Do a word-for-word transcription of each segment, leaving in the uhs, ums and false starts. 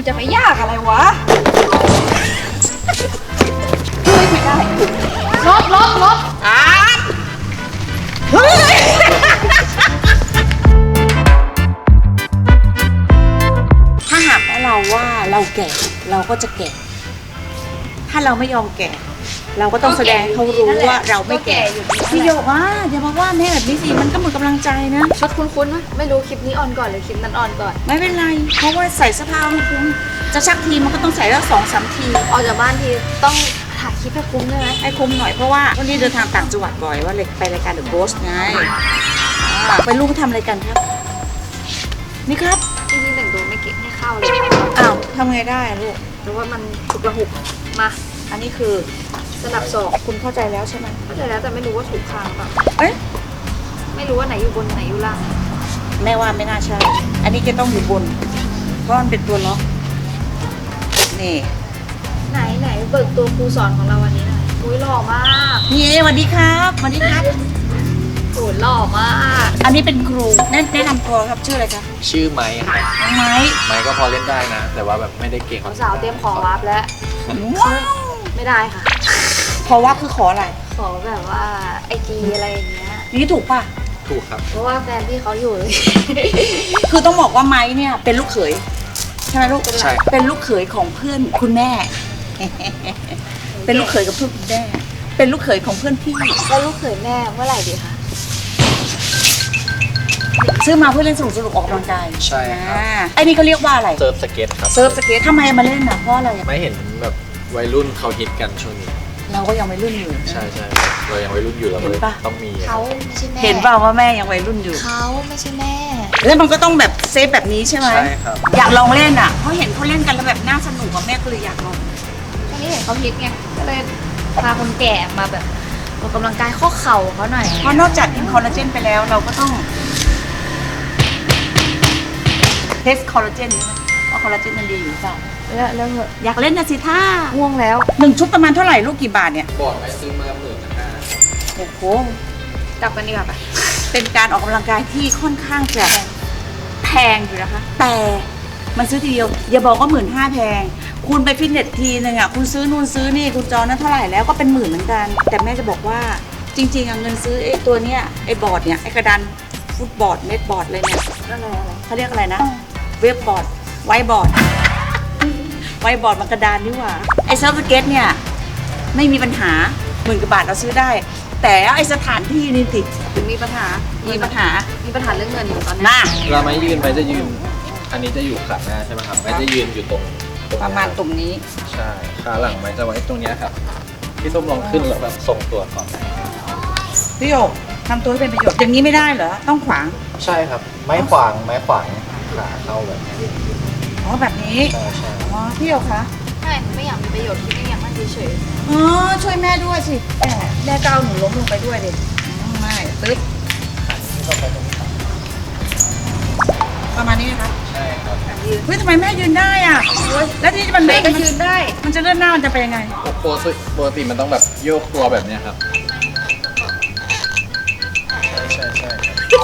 มันจะไปยากอะไรวะเฮ้ยไม่ได้ลบลบลบอ่าเฮ้ยถ้าหากว่าเราว่าเราแก่เราก็จะแก่ถ้าเราไม่ยอมแก่เราก็ต้องแสดงให้เขารู้ว่าเราไม่แก่พี่โยกว่าอย่ามาว่าแม่แบบนี้สิมันก็หมดกำลังใจนะชุดคุ้นๆไหมไม่รู้คลิปนี้ออนก่อนหรือคลิปนั้นออนก่อนไม่เป็นไรเพราะว่าใส่เสื้อผ้าไม่คุ้มจะชักทีมันก็ต้องใส่แล้วสองสามทีออกจากบ้านทีต้องถ่ายคลิปให้คุ้มใช่ไหมให้คุ้มหน่อยเพราะว่าวันนี้เดินทางต่างจังหวัดบ่อยว่าเลยไปรายการเดอะโบสไงไปลูกทำอะไรกันครับนี่ครับจริงๆแต่งตัวไม่เก็บไม่เข้าเลยอ้าวทำไงได้ลูกหรือว่ามันถูกระหุกมาอันนี้คือสลับศอกคุณเข้าใจแล้วใช่ไหมเข้าใจแล้วแต่ไม่รู้ว่าถูกข้างเปล่าเอ๊ะไม่รู้ว่าไหนอยู่บนไหนอยู่ล่างแม่ว่าไม่น่าใช่อันนี้จะต้องอยู่บนเพราะมันเป็นตัวล็อกนี่ไหนไหนเบิกตัวครูสอนของเราวันนี้หน่อยอุ้ยหล่อมากนี่สวัสดีครับสวัสดีครับโอ้หล่อมากอันนี้เป็นครูแนะแนะนำตัวครับชื่ออะไรครับชื่อไม้ครับไม้ไม้ก็พอเล่นได้นะแต่ว่าแบบไม่ได้เก่งสาวเตรียมขอวาร์ปแล้วไม่ได้ค่ะขอว่าคือขออะไรขอแบบว่าไอจีอะไรอย่างเงี้ยนี่ถูกป่ะถูกครับเพราะว่าแฟนที่เขาอยู่คือต้องบอกว่าไม้เนี่ยเป็นลูกเขยใช่ไหมลูกใช่เป็นลูกเขยของเพื่อนคุณแม่เป็นลูกเขยกับเพื่อนคุณแม่เป็นลูกเขยของเพื่อนพี่แล้วลูกเขยแม่เมื่อไหร่ดีคะซื้อมาเพื่อเล่นสนุกสนุกออกกำลังกายใช่ครับไอ้นี่เขาเรียกว่าอะไรเซิร์ฟสเก็ตครับเซิร์ฟสเก็ตทำไมมาเล่นอ่ะเพราะอะไรไม่เห็นแบบวัยรุ่นเขาฮิตกันช่วงนี้เราก็ยังวัยรุ่นอยู่ใช่ใช่เรายังวัยรุ่นอยู่เราเลยต้องมีเขาไม่ใช่แม่เห็นเปล่าว่าแม่ยังวัยรุ่นอยู่เขาไม่ใช่แม่แล้วมันก็ต้องแบบเซฟแบบนี้ใช่ไหมใช่ครับอยากลองเล่นอ่ะเพราะเห็นเขาเล่นกันแล้วแบบน่าสนุกกับแม่ก็เลยอยากลองช่วงนี้เห็นเขาฮิตไงก็เลยพาคนแก่มาแบบออกกำลังกายข้อเข่าเขาหน่อยเพราะนอกจากกินคอลลาเจนไปแล้วเราก็ต้องเทสคอลลาเจนใช่ไหมว่าคอลลาเจนมันดีอยู่เปล่าแล้วแล้วอยากเล่นนะสิท่าง่วงแล้วหนึ่งชุดประมาณเท่าไหร่ลูกกี่บาทเนี่ยบอร์ดไปซื้อมาหมื่นห้าโอ้โหกลับกันดีกว่าไปเป็นการออกกำลังกายที่ค่อนข้างจะแพงอยู่นะคะแต่มันซื้อทีเดียวอย่าบอกว่าหมื่นห้าแพงคุณไปฟิตเนสทีนึงอ่ะคุณซื้อนู่นซื้อนี่คุณจองนั้นเท่าไหร่แล้วก็เป็นหมื่นเหมือนกันแต่แม่จะบอกว่าจริงๆเงินซื้อไอ้ตัวเนี้ยไอ้บอร์ดเนี่ยไอ้กระดานฟุตบอร์ดเน็ตบอร์ดอะไรเนี่ยอะไรอะไรเขาเรียกอะไรนะเว็บบอร์ดไวบอร์ดไวบอร์ดมันกระดานนี่หว่าไอ้เซิร์ฟสเก็ตเนี่ยไม่มีปัญหาหมื่นกว่าบาทเราซื้อได้แต่ไอ้สถานที่นี่ติดมีปัญหามีปัญหามีปัญหาเรื่องเงินอยู่ตอนนี้เราไม่ยืนไปจะยืนอันนี้จะอยู่ขาหน้าใช่ไหมครับไม่จะยืนอยู่ตรงประมาณตรงนี้ใช่ขาหลังไม้จะไว้ตรงนี้ครับพี่ส้มลองขึ้นแล้วแบบทรงตัวก่อนพี่โยกทำตัวให้เป็นประโยชน์อย่างนี้ไม่ได้เหรอต้องขวางใช่ครับไม้ขวางไม้ขวางขาเข้าแบบนี้อ๋อแบบนี้ใช่ใช่อ๋อพี่โยกคะไม่ไม่อยากมีประโยชน์ที่ไม่อยากนั่งเฉยๆอ๋อช่วยแม่ด้วยสิแม่แม่ก้าวหนูล้มลงไปด้วยดิไม่ตึ๊ดประมาณนี้นะคะใช่ครับเฮ้ยทำไมแม่ยืนได้อ่ะแล้วที่มันแม่ก็ยืนได้มันจะเลื่อนหน้ามันจะเป็นยังไงปกติปกติมันต้องแบบโยกตัวแบบนี้ครับใช่ใช่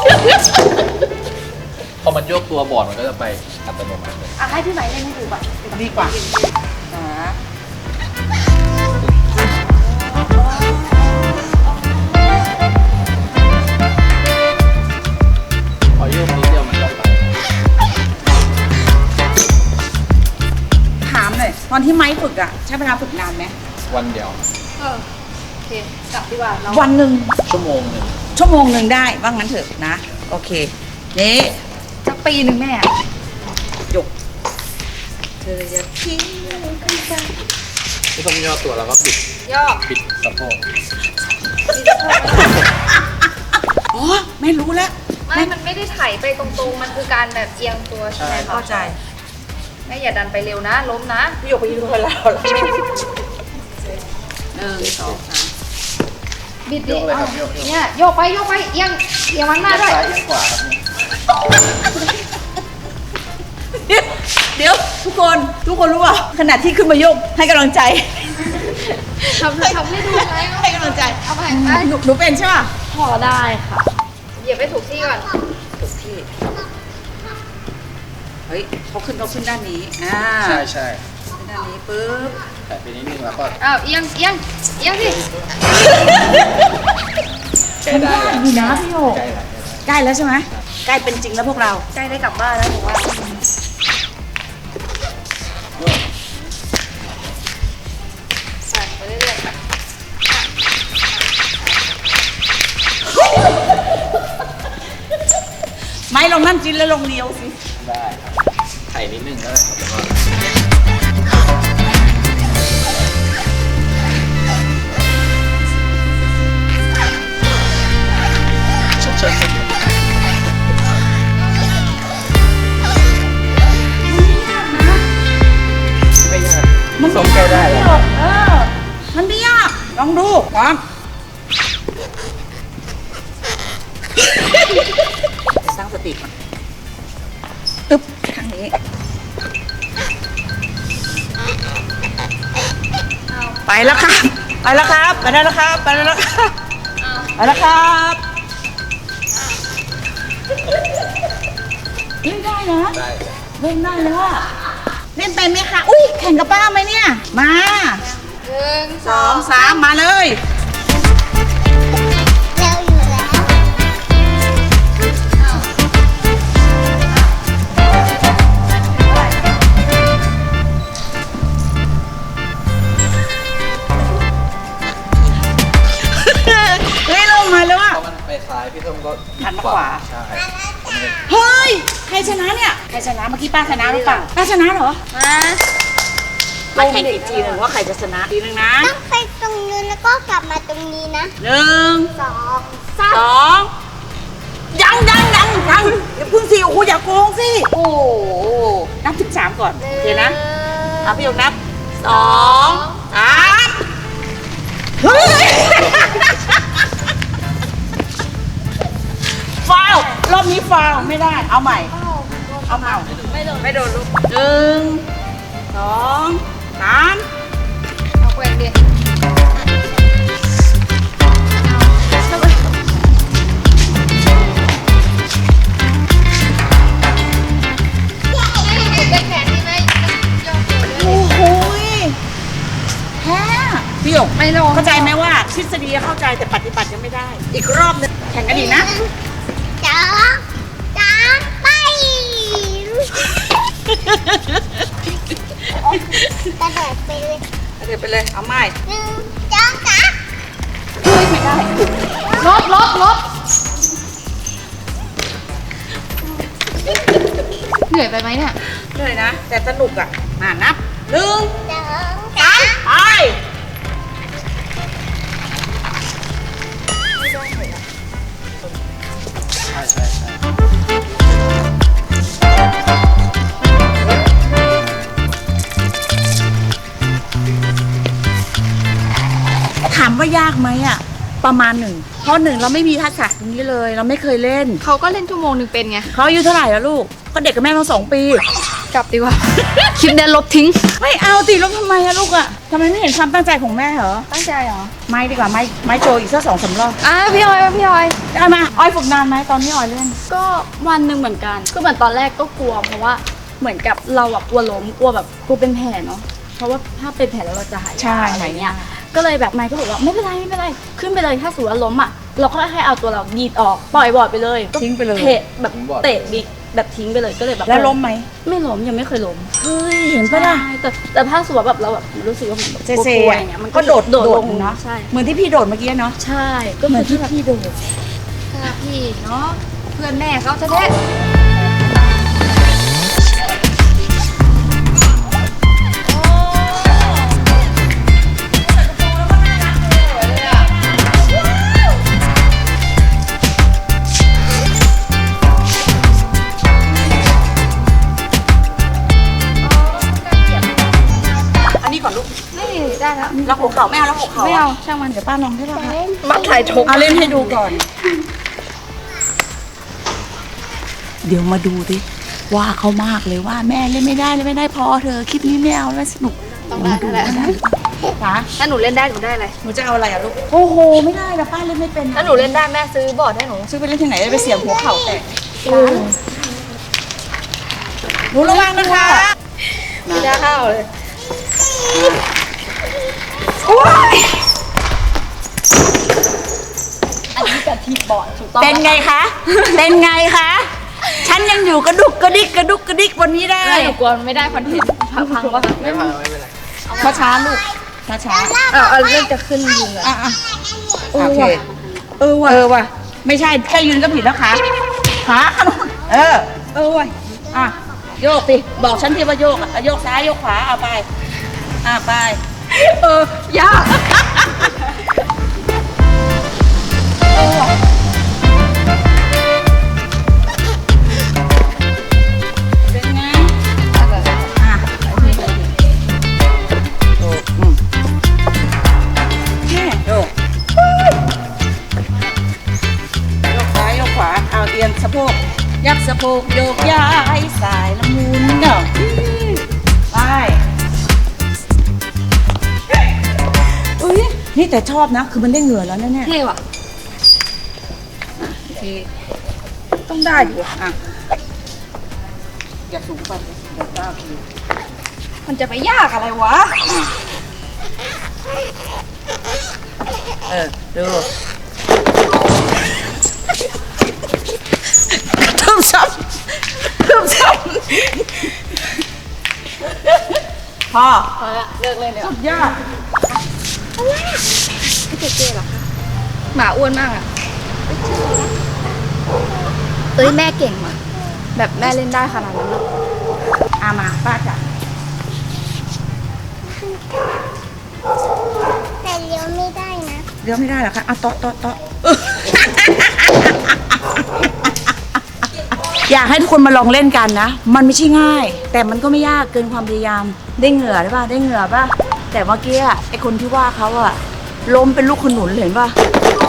พอมันโยกตัวบอร์ดมันก็จะไปอัตโนมัติเลยอ่ะให้พี่ไหมเล่นให้ดูก่อนดีกว่าอ่าพอโยกนิดเดียวมันก็ไปถามหน่อยตอนที่ไม้ฝึกอ่ะใช้เวลาฝึกนานไหมวันเดียวเออโอเคกลับดีกว่าเราวันหนึ่งชั่วโมงหนึ่งชั่วโมงหนึ่งได้ว่างั้นเถอะนะโอเคนี่สักปีหนึ่งแม่หยกเธอจะทิ้งกันไปที่ต้องย่อตัวแล้วก็ปิดย่อปิดสะโพกอ๋อไม่รู้แล้วไม่มันไม่ได้ไถไปตรงๆมันคือการแบบเอียงตัวใช่ไหมเข้าใจแม่อย่าดันไปเร็วนะล้มนะพี่หยกไปยืนคนแล้วหนึ่งสองสามบิดดิเนี่ยโยกไปโยกไปเอียงเอียงมันหน้าด้วยซ้ายเอียงขวาเดี๋ยวทุกคนทุกคนรู้ป่ะขณะที่ขึ้นมาโยกให้กำลังใจทำทำให้ดูไหมให้กำลังใจเอาไปหนูหนูเป็นใช่ป่ะพอได้ค่ะเหยียบไปถูกที่ก่อนถูกที่เฮ้ยเขาขึ้นเขาขึ้นด้านนี้อ่าใช่ใช่ขึ้นด้านนี้ปุ๊บแต่ไปนิดนึงแล้วก็อ้าวเอียงเอียงเอียงสิใกล้ได้แล้วดีนะพี่โยใกล้แล้วใกล้แล้วใช่ไหมใกล้เป็นจริงแล้วพวกเราใกล้ได้กลับบ้านแล้วหนูว่าใส่ไปเรื่อยๆค่ะไม่ลงนั่นจินแล้วลงเดียวสิได้ครับไข่นิดนึงก็ได้ครับแล้วก็เชิญๆไม่ยากมันส้มใกล้ได้แล้วเออมันไม่ยากลองดูพร้อมสร้างสติก่อนตึ๊บทางนี้ไปแล้วครับไปแล้วครับไปได้แล้วครับไปได้แล้วครับไปแล้วครับเล่นได้นะได้เล่นได้แล้วอะเล่นไปไหมคะอุ้ยแข่งกับป้าไหมเนี่ยมาหนึ่งสองสามมาเลยเร็วอยู่แล้วเล่นลงมาเลยว่ะเพราะมันไปซ้ายพี่ส้มก็หันมาขวาใช่เฮ้ยใครชนะเนี่ยใครชนะเมื่อกี้ป้าชนะหรือเปล่าป้าชนะเหรอมามาแข่งอีกทีหนึ่งว่าใครจะชนะทีหนึ่งนะต้องไปตรงนู้นแล้วก็กลับมาตรงนี้นะหนึ่งสองสาสมองยังยังยังยังอย่าเพึ่งสิโอ้โหอย่าโกงสิโอ้โหนับถึงสามก่อนโอเคนะเอาพี่หยกนับสองสามเฮ้ยฟาวล์รอบนี้ฟาวล์ไม่ได้เอาใหม่ เอาใหม่ไม่โดนไม่โดนลูกหนึ่งสองสามเอาแกว่งดิเป็นแขนดีไหมยอมเลยโอ้โหแพ้พี่หยกไม่ลงเข้าใจไหมว่าทฤษฎีเข้าใจแต่ปฏิบัติยังไม่ได้ อีกรอบหนึงแข่งกันอีกนะสองสามไปกระโดดไปเลยเดี๋ยวไปเลยเอาใหม่หนึ่งสองสามเฮ้ยไม่ได้ลบลบลบเหนื่อยไปไหมเนี่ยเลยนะ แต่สนุกอ่ะมานับหนึ่งสองสามไปใช่ใช่ใช่ถามว่ายากไหมอ่ะ ประมาณหนึ่งเพราะหนึ่งเราไม่มีทักษะตรงนี้เลย เราไม่เคยเล่นเขาก็เล่นชั่วโมงหนึ่งเป็นไงเขาอายุเท่าไหร่แล้วลูก ก็เด็กกับแม่เราสองปีกลับดีกว่า คลิปเนี้ยลบทิ้งไม่เอาติลบทำไมอะลูกอะทำไมไม่เห็นความตั้งใจของแม่เหรอตั้งใจเหรอไม่ดีกว่าไม่ไม่โจอีกสักสองสามรอบอ่ะพี่ออยพี่ออยเอามาอ้อยฝึกนานไหมตอนนี้อ้อยเล่นก็วันหนึ่งเหมือนกันก็เหมือนตอนแรกก็กลัวเพราะว่าเหมือนกับเราอะกลัวล้มกลัวแบบกลัวเป็นแผลเนาะเพราะว่าถ้าเป็นแผลแล้วเราจะหายใช่ยากอะไรเงี้ยก็เลยแบบไมค์ก็บอกว่าไม่เป็นไรไม่เป็นไรขึ้นไปเลยถ้าสมมติว่าล้มอะเราก็ให้เอาตัวเราดีดออกปล่อยบอร์ดไปเลยทิ้งไปเลยเตะแบบเตะบิ๊กแบบทิ้งไปเลยก็เลยแบบแล้วล้มไหมไม่ล้มยังไม่เคยล้มเฮ้ยเห็นปะล่ะใช่แต่แต่ถ้าสมมติว่าแบบเราแบบรู้สึกว่ามันแบบเซกเซลัวๆอย่างเงี้ยมันก็โดดโดดโดลดงเนาะใช่เหมือนที่พี่โดดเมื่อกี้เนาะใช่ก็เหมือนที่แบบพี่โดดค่ะพี่เนาะเพื่อนแม่เขาแท้อันนี้ก่อนลูกๆไม่ได้แล้วแล้วหัวเข่าไม่เอาแล้วหัวเข่าไม่อะเอาช่างมันเดี๋ยวป้าลองให้เรามัดถ่ายทกเอาเล่นให้ดูก่อน เดี๋ยวมาดูดิว่าเขามากเลยว่าแม่เล่นไม่ได้เล่นไม่ได้พอเธอคลิปนี้ไม่เอาแล้วสนุกต้องได้แล้วแหละนะถ้าหนูเล่นได้หนูได้อะไรหนูจะเอาอะไรอะลูกโอ้โหไม่ได้นะป้าเล่นไม่เป็นถ้าหนูเล่นได้แม่ซื้อบอร์ดให้หนูซื้อไปเล่นที่ไหนไปเสียบหัวเข่าแตกโอ้หนูนูระวังนะคะไม่ได้เข้าเลยอันนี้กะทิบอดถูกต้องเป็นไงคะ เป็นไงคะ ฉันยังอยู่กระดุกกระดิกกระดุกกระดิกบนนี้ได้ไม่หนูกลัวไม่ได้คอนเทนต์พังพังวะไม่พังไม่เป็นไรช้าช้าๆลูกช้าช้าเออเอาเรื่องจะขึ้นยิงอะอ่ะอ่ะโอเคเออว่ะเออว่ะไม่ใช่แค่ยืนก็ผิดแล้วขาขาขนมเออ เออว่ะอ่ะโยกสิบอกฉันที่ว่าโยกอ่ะโยกซ้ายโยกขวาเอาไปอ่ะไปเออยากเป็นไงอ่ะโยกอืมแม่โยกโยกซ้ายโยกขวาเอาเอียงสะโพกยักสะโพกโยกย้ายสายละมุนเนาะไปอุ้ยนี่แต่ชอบนะ คือมันได้เหงื่อแล้วนะเนี่ยเท่ว่ะโอเคต้องได้อยู่อ่ะอย่าสูงไปเดี๋ยวก้าวทีมันจะไปยากอะไรวะเออดูทุ่มซ้ำทุ่มซ้ำพอพอละเลิกเลยเนี่ยสุดยอดพี่เจเจเหรอคะหมาอ้วนมากอะเอ้ยแม่เก่งว่ะแบบแม่เล่นได้ขนาดนั้นอะอามาป้าจ๋าแต่เลี้ยวไม่ได้นะเลี้ยวไม่ได้เหรอคะอ่ะโต๊ะโต๊ะโต๊ะอยากให้ทุกคนมาลองเล่นกันนะ มันไม่ใช่ง่าย แต่มันก็ไม่ยากเกินความพยายาม ได้เหงื่อได้ป่ะ ได้เหงื่อป่ะ แต่เมื่อกี้อะไอคนที่ว่าเขาอะล้มเป็นลูกขนุนเลยเห็นป่ะ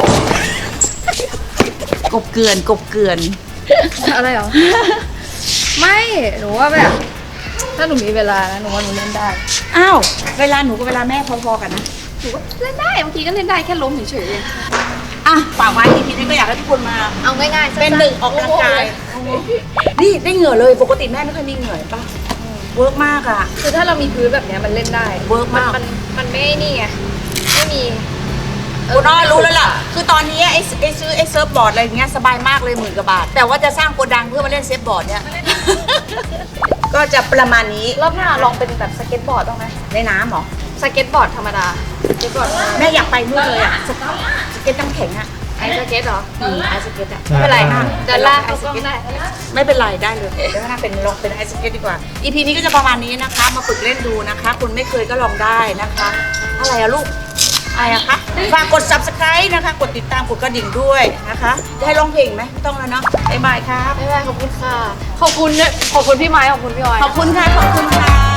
กบเกลือนกบเกลือนอะไรเหรอ ไม่หนูว่าแบบถ้าหนูมีเวลานะหนูว่าหนูเล่นได้อ้าว เวลาหนูกับเวลาแม่พอๆกันนะหนูก็เล่นได้บางทีก็เล่นได้แค่ล้มเฉยๆเองอ่ะฝากไว้ทีนี้ก็อยากให้ทุกคนมาเอาง่ายๆสั้ๆเป็นหนึ่งออกกำลังกาย นี่ได้เหงื่อเลย ปกติแม่ไม่เคยมีเหงื่อเห็นป่ะ เวิร์กมากอ่ะคือถ้าเรามีพื้นแบบเนี้ยมันเล่นได้เวิร์กมากมันมันไม่นี่ไงไม่มีคุณอ้อรู้แล้วล่ะ คือตอนนี้ไอ้ไอ้ซื้อไอ้เซิร์ฟบอร์ดอะไรอย่างเงี้ยสบายมากเลยหมื่นกว่าบาท แต่ว่าจะสร้างโกดังเพื่อมาเล่นเซิร์ฟบอร์ดเนี่ย ก็จะประมาณนี้รอบหน้าลองเป็นแบบสเก็ตบอร์ดบ้างไหมในน้ำเหรอสเก็ตบอร์ดธรรมดาสเก็ตบอร์ดแม่อยากไปนู่นเลยอ่ะสเก็ตสเก็ตน้ำแข็งอ่ะไอสเก็ตเหรออืมไอสเก็ตอ่ะไม่เป็นไรอ่ะเดินลากเขาก็ได้ไม่เป็นไรได้เลยเดี๋ยวถ้าเป็นลองเป็นไอสเก็ตดีกว่า อีพีนี้ก็จะประมาณนี้นะคะ มาฝึกเล่นดูนะคะ คุณไม่เคยก็ลองได้นะคะ อะไรอะลูก อะไรอะคะ ฝากกด ซับสไครบ์ นะคะ กดติดตาม กดกระดิ่งด้วยนะคะ จะให้ร้องเพลงไหมไม่ต้องแล้วเนาะบ๊ายบายครับไม่เป็นไรขอบคุณค่ะ ขอบคุณเนี่ยขอบคุณพี่ไม้ขอบคุณพี่ออยขอบคุณค่ะ ขอบคุณค่ะ